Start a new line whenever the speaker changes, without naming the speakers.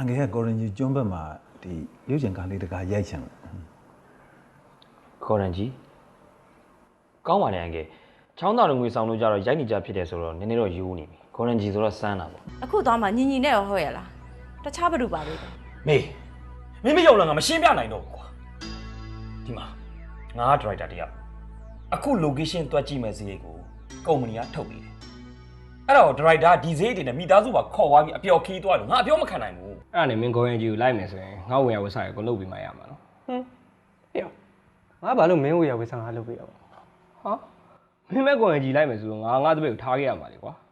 ငယ်ကကိုရင်ကြီးကျွန်းဘက်မှာဒီရုပ်ရှင်ကားလေးတကားရိုက်ချင်တယ်
ခေါ်ရန်ကြီးကောင်းပါလေအငယ်ချောင်းသားလူငွေဆောင်လို့ကြတော့ရိုက်နေကြဖြစ်တယ်ဆိုတော့နည်းနည်းတော့ယူနေပြီခေါ်ရန်ကြီးဆိုတော့စမ်းတာပေါ့
အခုသွားမှညီညီနဲ့ရောဟုတ်ရလားတခြားဘယ်သူပါလဲ
မေမင်းမယုံလားငါမရှင်းပြနိုင်တော့ဘူးကွာဒီမှာငါကဒရိုက်တာတယောက်အခု location တွက်ကြည့်မယ်ဈေးကိုကုမ္ပဏီကထုတ်ပေးတယ်အဲ့တော့ဒရိုက်တာဒီဈေးတွေနဲ့မိသားစုပါခေါ်သွားပြီးအပျော်ခီးသွားလို့ငါအပြောမခံနိုင်ဘူး
အဲ့ဒါနဲ့မင်းခေါ်ရင်ကြီးကိုလိုက်မယ်ဆိုရင်ငါ့ဝင်ရဝစားရကိုလုပ်ပြီးမှရမှာနော်ဟင်းဟေ့ငါဘာလို့မင်းဝင်ရဝစားငါလုပ်ပေးရပါဟာမင်းမဲ့ခေါ်ရင်ကြီးလိုက်မယ်ဆိုတော့ငါတပည့်ကိုထားခဲ့ရမှာလေကွာ